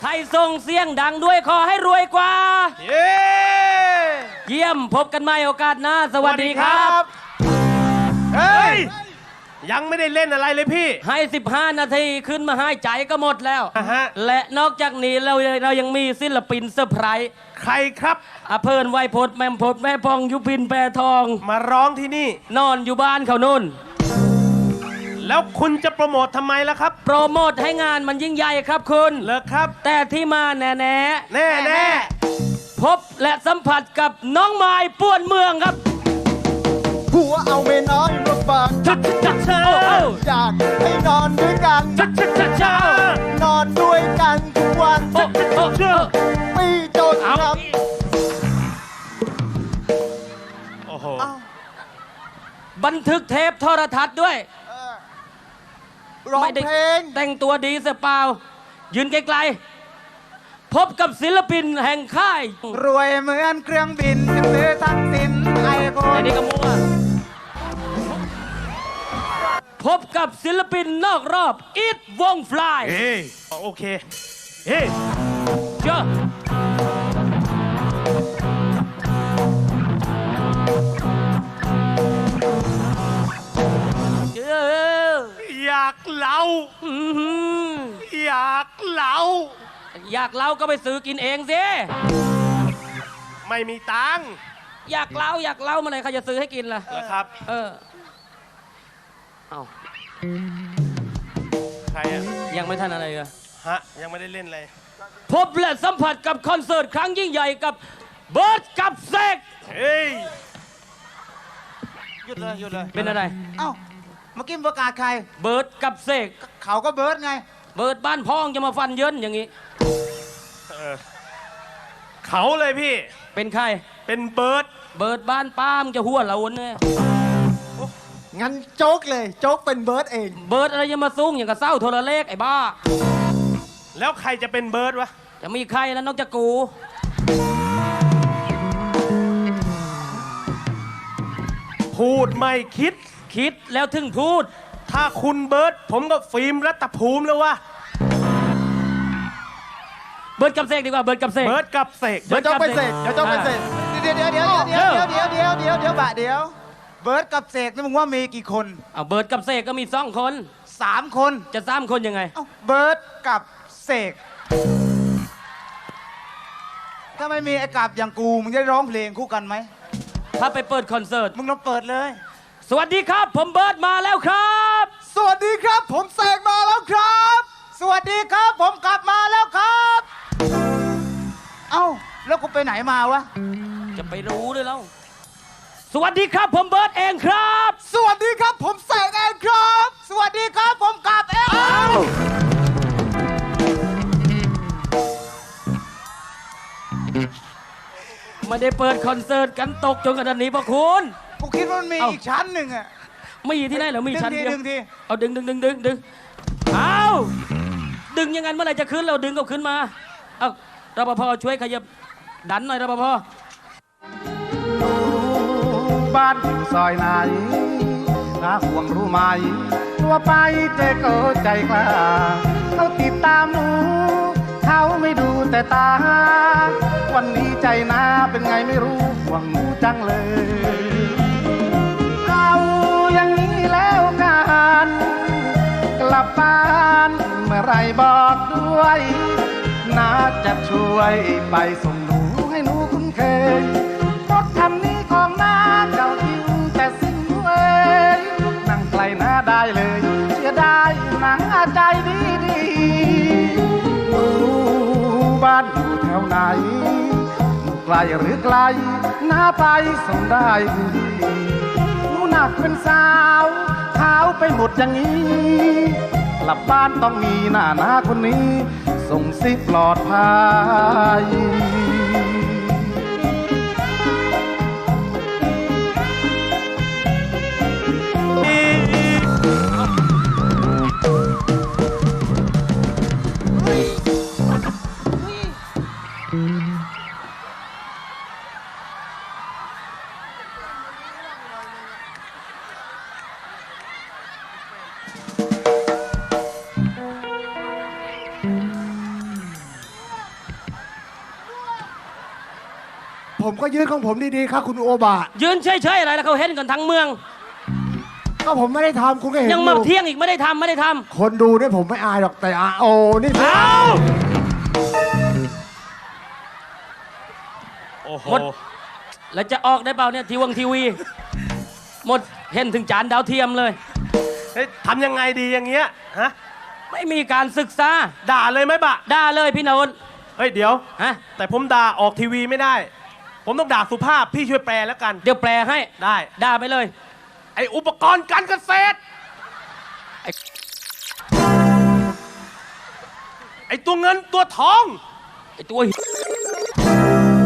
ใครส่งเสียงดังด้วยขอให้รวยกว่าเย้เยี่ยมพบกันใหม่โอกาสหน้าสวัสดีครับเฮ้ยยังไม่ได้เล่นอะไรเลยพี่ให้ 15 นาทีขึ้นมาให้ใจก็หมดแล้วอ่าฮะและนอกจากนี้เรายังมีศิลปินเซอร์ไพรส์ใครครับอเพิ่นไวยพจน์แมมพจน์แม่พองยุพินแปรทองมาร้องที่นี่นอนอยู่บ้านเขานู่นแล้วคุณจะโปรโมททำไมล่ะครับโปรโมทให้งานมันยิ่งใหญ่ครับคุณเลิกครับแต่ที่มาแน่แน่พบและสัมผัสกับน้องไม้ป่วนเมืองครับผัวเอาเมียน้อยมาฝากชัดชัดชัดโอ้โอ้อยากให้นอนด้วยกันชัดชัดชัดชัดนอนด้วยกันทุกวันโอ้โอ้เชื่อไม่จนเอาครับโอ้โหบันทึกเทปโทรทัศน์ด้วยร้องไม่ได้เพลงแต่งตัวดีเสียเปล่า ยืนไกลๆพบกับศิลปินแห่งค่ายรวยเหมือนเครื่องบินยังซื้อทั้งสินไอโฟไอ้นนี่ก็มั่วพบกับศิลปินนอกรอบอีทวงฟลายเฮ้ยโอเค เฮ้ยเจ้าอยากเล่าอื้อหืออยากเล่าอยากเล่าก็ไปซื้อกินเองสิไม่มีตังค์อยากเล่าเมื่อไหร่เขาจะซื้อให้กินล่ะเหรอครับเออ เอาใครอะยังไม่ทันอะไรเลยฮะ ยังไม่ได้เล่นเลยพบและสัมผัสกับคอนเสิร์ตครั้งยิ่งใหญ่กับเบิร์ดกับเซกเฮ้ยหยุดเลยหยุดเลยเป็นอะไรเอ้าเมื่อกี้ประกาศใครเบิร์ดกับเซกเขาก็เบิร์ดไงเบิร์ดบ้านพ้องจะมาฟันเยินอย่างนี้เขาเลยพี่เป็นใครเป็นเบิร์ดเบิร์ดบ้านป้ามจะหัวเราเนี่ยงั้นโจ๊กเลย โจ๊กเป็นเบิร์ดเองเบิร์ดอะไรจะมาซุ้งอย่างกับเศร้าโทรเลขไอ้บ้าแล้วใครจะเป็นเบิร์ดวะจะมีใครแล้วนอกจากกูพูดไม่คิดคิดแล้วถึงพูดถ้าคุณเบิร์ดผมก็ฟิล์มรัตภูมิแล้ววะเบิร์ดกับเซกดีกว่าเบิร์ดกับเซกเบิร์ดกับเสกเดี๋ยวโจ๊กไปเสกเดี๋ยวโจ๊กไปเสกเดี๋ยวเดี๋ยวบะเดี๋ยวเบิร์ดกับเสกนี่มึงว่ามีกี่คนเอาเบิร์ดกับเซกก็มี2 คน 3 คนจะ3 คนยังไงเอ้าเบิร์ดกับเสกถ้าไม่มีไอ้กับอย่างกูมึงจะได้ร้องเพลงคู่กันไหมถ้าไปเปิดคอนเสิร์ตมึงลองเปิดเลยสวัสดีครับ ผมเบิร์ดมาแล้วครับสวัสดีครับ ผมเสกมาแล้วครับ สวัสดีครับ ผมกลับมาแล้วครับ เอ้าแล้วกูไปไหนมาวะจะไปรู้เลยแล้ว สวัสดีครับผมเบิร์ดเองครับสวัสดีครับ ผมเสกเองครับ สวัสดีครับ ผมกลับเองไม่ได้เปิดคอนเสิร์ตกันตกจนขนาดนี้พระคุณกูคิดว่ามันมีเอ้าอีกชั้นหนึ่งอะไม่มีที่ไหนเหรอมีชั้นเดียวดึงทีเอาดึงเอาดึงอยังไงเมื่อไหร่จะขึ้นเราดึงก็ขึ้นมาเอารปภช่วยขยับดันหน่อยรปภบ้านอยู่ซอยไหนถ้าห่วงรู้ไหมตัวไปเจอเกิดใจกล้าเขาติดตามหนูเขาไม่ดูแต่ตา วันนี้ใจนาเป็นไงไม่รู้ห่วงหนูจังเลย เอาอย่างนี้แล้วกันกลับบ้านเมื่อไรบอกด้วยน่าจะช่วยไปส่งหนูให้หนูคุ้นเคยรถคันนี้ของน้าเก่าทิ้งแต่สิ่งเว้ยนั่งไกลหน้าได้เลยเสียดายหนังใจดีหนูบ้านอยู่แถวไหนไกลหรือไกลน้าไปส่งได้ดีหนูหนักเป็นสาวขาวไปหมดอย่างนี้กลับบ้านต้องมีหน้าคนนี้ส่งสิปลอดภัยผมก็ยืนของผมดีๆครับคุณโอบะยืนเฉยๆอะไรแล้วเขาเห็นกันทั้งเมืองก็ผมไม่ได้ทำคุณก็เห็นยังมาอยู่เที่ยงอีกไม่ได้ทำไม่ได้ทำคนดูเนี่ยผมไม่อายหรอกแต่โอ้นี่เอาโอ้โหหมด แล้วจะออกได้เปล่าเนี่ยทีวี หมดเห็นถึงจานดาวเทียมเลยเฮ้ยทำยังไงดีอย่างเงี้ยฮะไม่มีการศึกษาด่าเลยไหมบะด่าเลยพี่นนท์เฮ้ยเดี๋ยวฮะแต่ผมด่าออกทีวีไม่ได้ ผมต้องด่าสุภาพพี่ช่วยแปลแล้วกันเดี๋ยวแปลให้ได้ด่าไปเลยไออุปกรณ์การเกษตร ไอตัวเงินตัวทองไอ้ตัวเหี้ย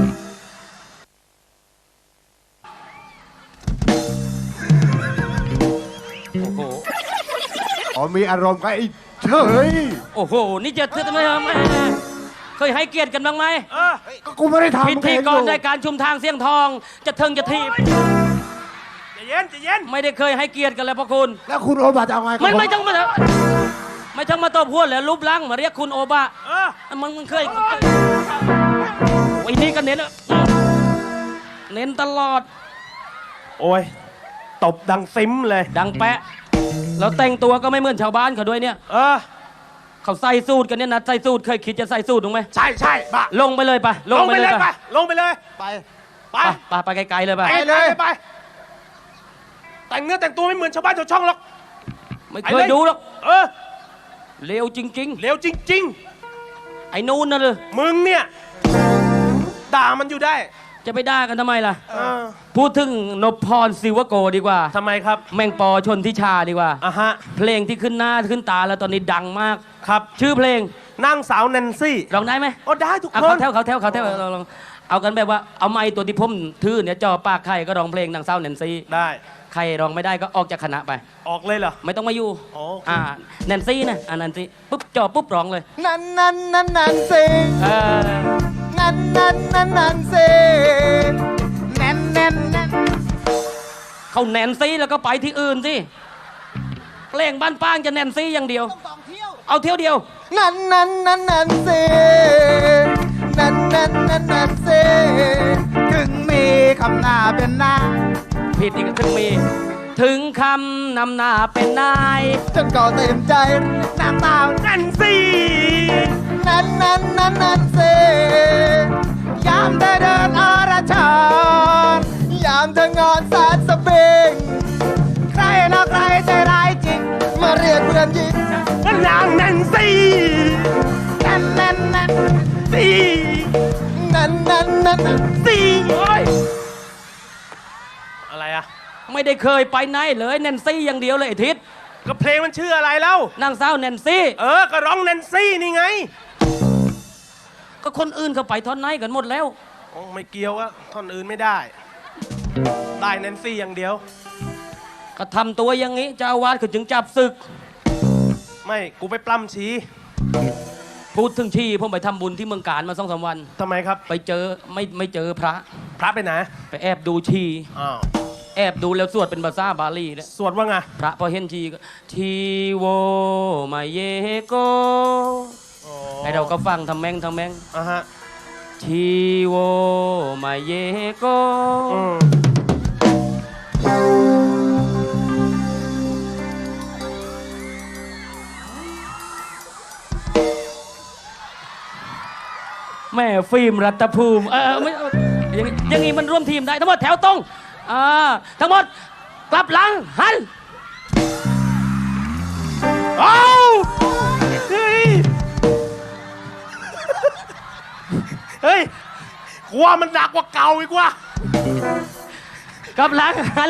โอ้โหอ๋อมีอารมณ์กับไอ้เฉยโอ้โห นี่จะทำไมเคยให้เกียรติกันบ้างไหมก็กูไม่ได้ทำพิธีกรรายการชุมทางเสียงทอง จะเทิงจะทีบใจเย็นใจเย็นไม่ได้เคยให้เกียรติกันเลยพระคุณแล้วคุณโอบะจะเอาไงกับไม่ต้องมาไม่ต้องมาตบหัวเลยรูปร่างมาเรียกคุณโอบะเออมันเคยไอ้นี่ก็เน้นเน้นตลอดโอ้ยตบดังซิมเลยดังแปะ แล้วแต่งตัวก็ไม่เหมือนชาวบ้านเขาด้วยเนี่ยเออเขาใส่สูตรกันเนี่ยนะใส่สูตรเคยคิดจะใส่สูตรถูกไหมใช่ใช่บะลงไปเลยปะลงไปเลยไปลงไปเลยไปไปไปไกลๆเลยปะไปเลยไป แต่งเนื้อแต่งตัวไม่เหมือนชาวบ้านชาวช่องหรอกไม่เคยดูหรอกเออเลวจริงเร็วจริงๆ ไอ้นู่นน่ะเลยๆ มึงเนี่ย ด่ามันอยู่ได้จะไปด่ากันทำไมล่ะเออพูดถึงนพพรศิวโกดีกว่าทำไมครับแมงปอชนทิชาดีกว่าอ่ะฮะเพลงที่ขึ้นหน้าขึ้นตาแล้วตอนนี้ดังมากครับชื่อเพลงนางสาวแนนซี่ร้องได้ไหมโอ้ได้ทุกอ่ะคนเขาแถวลองเอากันแบบว่าเอาไม้ตัวที่ผมถือเนี่ยจ่อปากใครก็ร้องเพลงนางเศร้าแนนซี่ได้ใครร้องไม่ได้ก็ออกจากคณะไปออกเลยเหรอไม่ต้องมาอยู่อ๋อแนนซี่นะแนนซี่ปุ๊บจ่อปุ๊บร้องเลยนั่นสิเออนั่นสิแน่นเขาแนนซี่แล้วก็ไปที่อื่นสิเพลงบ้านป้างจะแนนซี่อย่างเดียวต้องเที่ยวเอาเที่ยวเดียวนั่นสินั่นสิถึงมีคำหน้าเป็นหน้าผิดอีกถึงคำนำหน้าเป็นนายจนก็เต็มใจน้ำตาแนนซี่นั่นสิยามเธอเดินอรชรยามเธองอนสาดสะเบงใครนะใครใจร้ายจริง มาเรียกเพื่อนหญิงนางแนนซี่นั่นซี่สิโอ้ยอะไรอะไม่ได้เคยไปไหนเลยแนนซี่อย่างเดียวเลยไอ้ทิศก็เพลงมันชื่ออะไรแล้วนางสาวแนนซี่เออ ก็ร้องแนนซี่นี่ไงก็คนอื่นเขาไปท่อนไหนกันหมดแล้วอ๋อไม่เกี่ยวอะท่อนอื่นไม่ได้ ได้แนนซี่อย่างเดียวก็ทำตัวอย่างนี้เจ้าอาวาสเขาจึงจับศึกไม่ กูไปปล้ำชี้พูดถึงที่ผมไปทำบุญที่เมืองการมา2-3 วันทำไมครับไปเจอไม่เจอพระพระไปไหนไปแอบดูชีอ้าวแอบดูแล้วสวดเป็นภาษาบาลีเนี่ยสวดว่าไงพระพอเห็นชีก็ทีโวมาเยโกอ๋อไอเราก็ฟังทำแม่งอ่ะฮะทีโวมาเยโกอืมแม่ฟิล์มรัตภูมิไม่อย่างงี้มันร่วมทีมได้ทั้งหมดแถวตรงทั้งหมดกลับหลังหันเอาเฮ้ย เฮ้ยกลัวมันหนักกว่าเก่าอีกว่ะกลับหลังหัน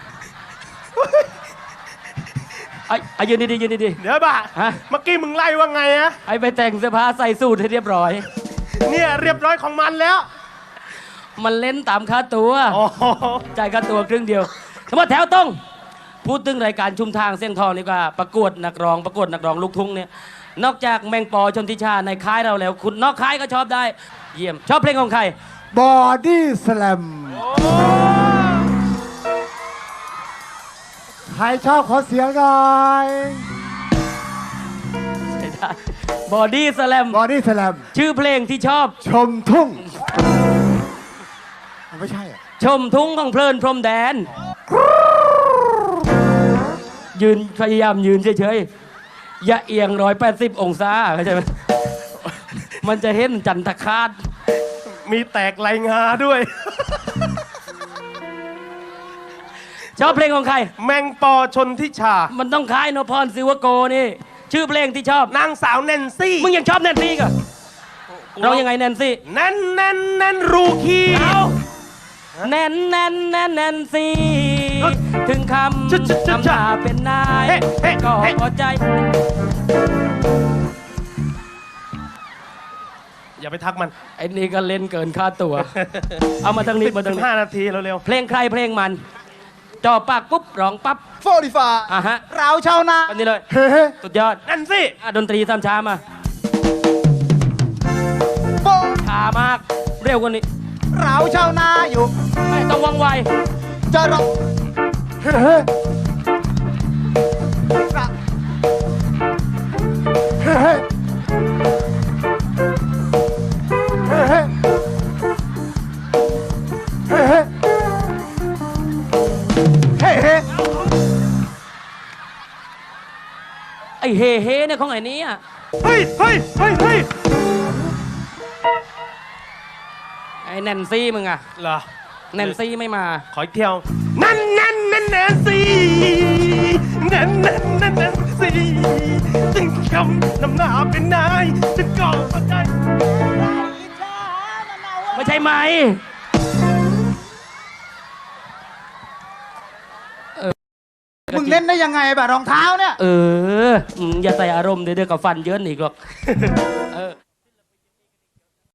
ยืนดีเดี๋ยวบ่าฮะเมื่อกี้มึงไล่ว่าไงอะไปแต่งเสื้อผ้าใส่สูทให้เรียบร้อยเนี่ยเรียบร้อยของมันแล้วมันเล่นตามค่าตัวอ๋อจ่ายค่าตัวครึ่งเดียวทั้งหมดแถวตรงพูดถึงรายการชุมทางเสียงทองนี่ก็ประกวดนักร้องลูกทุ่งเนี่ยนอกจากแมงปอชนทิชาในค่ายเราแล้ว คุณนอกค่ายก็ชอบได้ เยี่ยมชอบเพลงของใครบอดี้สแลมใครชอบขอเสียงหน่อยบอดี้สแลมบอดี้สแลมชื่อเพลงที่ชอบชมทุ่งไม่ใช่อ่ะชมทุ่งของเพลินพรมแดน ยืนพยายามยืนเฉยๆ อย่าเอียง180 องศาเข้าใจไหม มันจะเห็นจันทคาตมีแตกไหลงาด้วยชอบเพลงของใครแมงปอชนทิชามันต้องคล้ายนพพรศิวโกนี่ ชื่อเพลงที่ชอบนางสาวแนนซี่มึงยังชอบแนนซี่ก็เรายังไงแนนซี่แนนแนนแนนรูคีเอาแนนแนนแนนแนนซี่ ถึงคำนำหน้าเป็นนายก็พอใจอย่าไปทักมันไอ้นี่ก็เล่นเกินค่าตัว เอามาทางนี้มาทางนี้ 15 นาทีเร็วเพลงใครเพลงมัน จ่อปากปุ๊บร้องปั๊บ 45 อ่ะฮะเราชาวนาอันนี้เลยเฮ้เฮ้สุดยอดๆแนนซี่อ่ะดนตรีตามช้ามาโบช้ามาก เร็วกว่านี้เราชาวนาอยู่ไม่ต้องว่องไวจะร้องเฮ้เฮ้เราเฮ้เฮ้เฮ้เฮ้เฮ้เฮ้เฮ้เฮ้ไอ้เฮเฮเนี่ยของไอ้นี้อ่ะเฮ้ยเฮ้ยเฮ้ยเฮ้ยไอ้แนนซี่มึงอ่ะเหรอแนนซี่ไม่มาขออีกเที่ยวนั่นนั่นนั่นแนนซี่นั่นนั่นนั่นแนนซี่ถึงคำนำหน้าเป็นนายฉันก็เข้าใจไม่ใช่ไหมมึงเล่นได้ยังไงแบบรองเท้าเนี่ยอย่าใส่อารมณ์เดี๋ยวกับฟันเยินอีกหรอก